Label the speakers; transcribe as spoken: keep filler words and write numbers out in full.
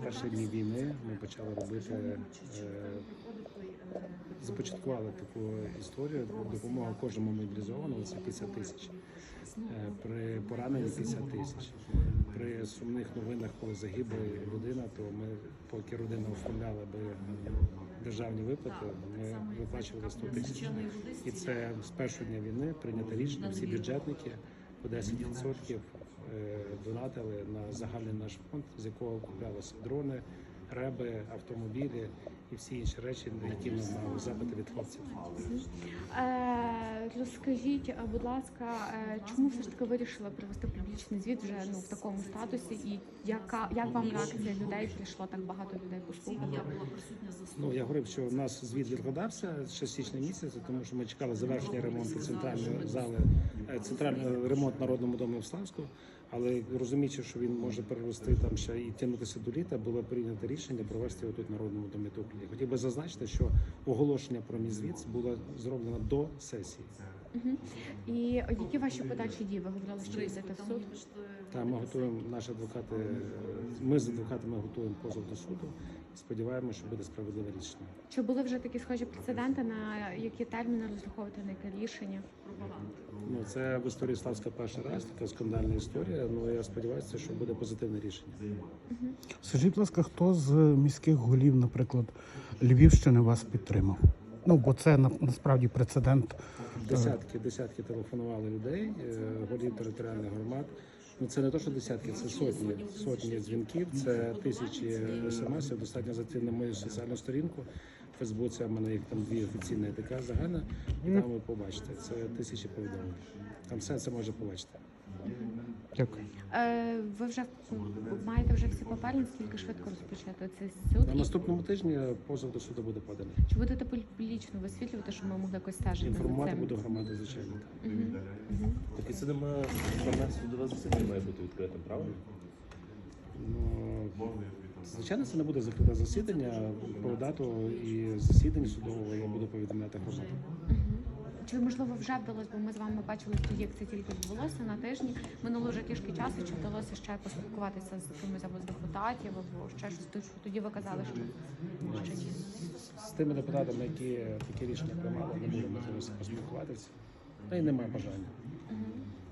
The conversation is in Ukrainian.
Speaker 1: перші дні війни ми почали робити, е, започаткували таку історію. Допомога кожному мобілізованому – це п'ятдесят тисяч. Е, При пораненні п'ятдесят тисяч. При сумних новинах, коли загибла людина, то ми, поки родина оформляла би державні виплати, ми виплачували сто тисяч. І це з першого дня війни прийнято рішення, всі бюджетники по десять відсотків донатили на загальний наш фонд, з якого куплялися дрони, реби, автомобілі і всі інші речі, на які ми мали запити від хлопців.
Speaker 2: Е, розкажіть, будь ласка, е, чому все ж таки вирішили провести публічний звіт вже ну в такому статусі, і яка як вам реакція людей? Прийшло так багато людей послухати?
Speaker 1: Ну я говорив, що у нас звіт відкладався ще з січня місяця, тому що ми чекали завершення ремонту центральної зали, центральний ремонт Народному дому в Славську. Але розуміючи, що він може перерости там ще і тягнутися до літа, було прийнято рішення провести його тут в Народному домі Туклі. Хотів би зазначити, що оголошення про мій звіт було зроблено до сесії.
Speaker 2: Угу. І які ваші подальші дії? Ви говорили, що йдете в суд?
Speaker 1: Так, ми готуємо, наші адвокати, ми з адвокатами готуємо позов до суду і сподіваємося, що буде справедливе рішення.
Speaker 2: Чи були вже такі схожі прецеденти, на які терміни розраховувати, на яке рішення?
Speaker 1: Ну, це в історії Славська перший раз, така скандальна історія. Ну я сподіваюся, що буде позитивне рішення.
Speaker 2: Угу.
Speaker 3: Скажіть, будь ласка, хто з міських голів, наприклад, Львівщини вас підтримав? Ну, бо це насправді прецедент.
Speaker 1: Десятки, десятки телефонували людей, голів територіальних громад. Ну це не то, що десятки, це сотні, сотні дзвінків, це тисячі смс-ів. Достатньо зайти на мою соціальну сторінку. В Фейсбуці в мене їх там дві офіційні така загальна, і там ви побачите. Це тисячі повідомлень. Там все це може побачити.
Speaker 3: Дякую.
Speaker 2: Е, ви вже маєте вже всі папери, наскільки швидко розпочати цей суд?
Speaker 1: На наступному тижні позов до суду буде поданий.
Speaker 2: Чи будете публічно висвітлювати, щоб ми могли якось стежити?
Speaker 1: Інформувати
Speaker 2: за цим?
Speaker 1: буду громаду, звичайно.
Speaker 2: Угу. Угу.
Speaker 4: Так і це немає формат судове засідання має бути відкритим, правильно?
Speaker 1: Ну, звичайно, це не буде закрите засідання. Про дату і засідання судового я буду повідомляти громаду.
Speaker 2: Угу. Чи можливо вже вдалося, бо ми з вами бачили тоді, як це тільки відбулося на тижні. Минуло вже трішки часу. Чи вдалося ще поспілкуватися з кимось або з депутатів, або ще щось? Тому що тоді ви казали, що ще ні.
Speaker 1: З тими депутатами, які такі рішення приймали, не було можливості поспілкуватися, та й немає бажання.
Speaker 2: Угу.